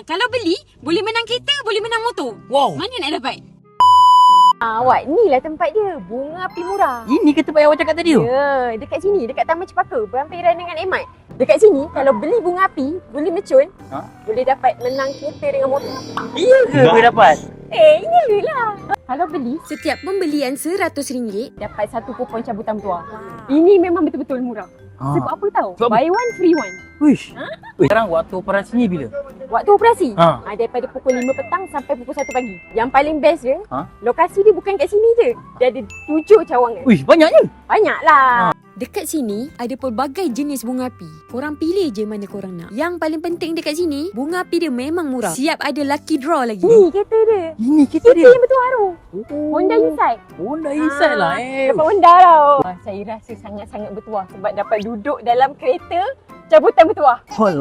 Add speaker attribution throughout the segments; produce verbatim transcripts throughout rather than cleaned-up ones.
Speaker 1: Kalau beli, boleh menang kereta, boleh menang motor.
Speaker 2: Wow.
Speaker 1: Mana nak dapat?
Speaker 3: Ah, awak, ni lah tempat dia. Bunga api murah.
Speaker 2: Ini ke tempat yang awak cakap tadi tu?
Speaker 3: Ya, dekat sini, dekat Taman Cepaka, berhampiran dengan Emat. Dekat sini, kalau beli bunga api, boleh mercun,
Speaker 2: Ha?
Speaker 3: boleh dapat menang kereta dengan motor.
Speaker 2: Iya ke boleh dapat?
Speaker 3: Eh, ini lah. Kalau beli,
Speaker 1: Setiap pembelian seratus ringgit,
Speaker 3: dapat satu kupon cabutan bertuah. Ini memang betul-betul murah.
Speaker 2: Ah.
Speaker 3: Sebab apa tahu?
Speaker 2: Sebab apa?
Speaker 3: Buy one, free one.
Speaker 2: Wish. Wih, sekarang waktu operasinya bila?
Speaker 3: Waktu operasi,
Speaker 2: Ha.
Speaker 3: ha. daripada pukul lima petang sampai pukul satu pagi. Yang paling best dia,
Speaker 2: Ha?
Speaker 3: lokasi dia bukan kat sini je. Dia ada tujuh cawangan.
Speaker 2: Wish, banyaknya.
Speaker 3: Banyaklah.
Speaker 1: dekat sini ada pelbagai jenis bunga api. Korang pilih je mana korang nak. Yang paling penting dekat sini, bunga api dia memang murah. Siap ada lucky draw lagi.
Speaker 3: Ni kereta dia.
Speaker 2: Ini kita
Speaker 3: Kereta
Speaker 2: dia.
Speaker 3: yang bertuah tu.
Speaker 2: Oh.
Speaker 3: Honda Insight.
Speaker 2: Honda Insight lah eh.
Speaker 3: Dapat Honda tau. Ah, saya rasa sangat-sangat bertuah sebab dapat duduk dalam kereta cabutan bertuah.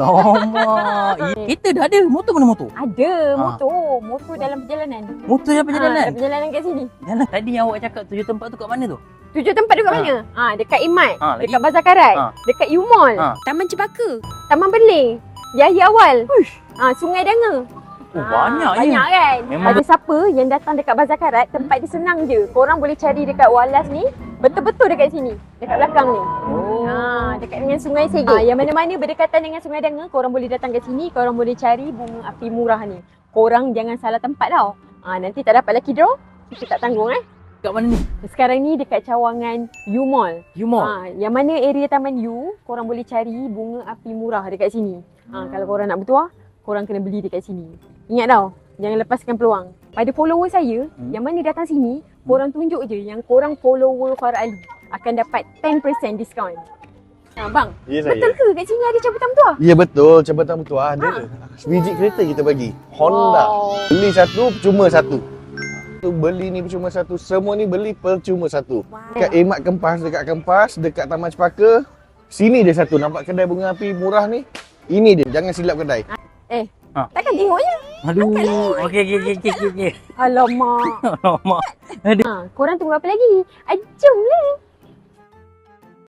Speaker 2: Alamak. Eh, Kereta dah ada. Motor mana motor?
Speaker 3: Ada
Speaker 2: Ah.
Speaker 3: motor. Motor dalam perjalanan.
Speaker 2: Motor yang perjalanan.
Speaker 3: Ah, perjalanan kat sini.
Speaker 2: Yalah, tadi yang awak cakap tujuh tempat tu kat mana tu?
Speaker 3: Tujuh tempat dekat
Speaker 2: Ah.
Speaker 3: mana? Ah, dekat Imat,
Speaker 2: Ah, lagi?
Speaker 3: dekat Bazar Karat,
Speaker 2: Ah.
Speaker 3: dekat U Mall,
Speaker 2: Ah.
Speaker 1: Taman Cepaka.
Speaker 3: Taman Berling, Yahya Awal. Ah, Sungai Danga.
Speaker 2: Oh,
Speaker 3: Ah,
Speaker 2: banyak je.
Speaker 3: Banyak kan?
Speaker 2: Memang
Speaker 3: Ada siapa yang datang dekat Bazar Karat, tempat dia senang je. Korang boleh cari dekat Walas ni, betul-betul dekat sini. Dekat belakang ni.
Speaker 2: Oh.
Speaker 3: Ha, dekat dengan Sungai Segit. Ha, yang mana-mana berdekatan dengan Sungai Danga, korang boleh datang ke sini, korang boleh cari bunga api murah ni. Korang jangan salah tempat tau. Ha, nanti tak dapat lucky draw, kita tak tanggung eh.
Speaker 2: Kat mana ni?
Speaker 3: Sekarang ni dekat cawangan U Mall.
Speaker 2: You Mall.
Speaker 3: Ha, yang mana area Taman U, korang boleh cari bunga api murah dekat sini. Ha, kalau korang nak bertuah, korang kena beli dekat sini. Ingat tau, jangan lepaskan peluang. Pada follower saya,
Speaker 2: Hmm.
Speaker 3: yang mana datang sini, korang tunjuk je yang korang follower Farah Ali akan dapat ten percent diskaun. Ha, bang,
Speaker 4: Ya saya.
Speaker 3: betul ke kat sini ada cabutan bertuah?
Speaker 4: Ya betul, cabutan bertuah ada. Sebiji kereta kita bagi. Honda.
Speaker 3: Wow.
Speaker 4: Beli satu, percuma satu. Tu beli ni percuma satu, semua ni beli percuma satu. Dekat Emat Kempas, dekat Kempas, dekat Taman Cepaka. Sini dia satu, nampak kedai bunga api murah ni. Ini dia, jangan silap kedai.
Speaker 3: Eh,
Speaker 2: Ha.
Speaker 3: takkan tengok je.
Speaker 2: Aduh. Okey okey okey okey okey.
Speaker 3: Alamak.
Speaker 2: Alamak. Aduh.
Speaker 3: Ha, korang tunggu apa lagi? Ah, jomlah.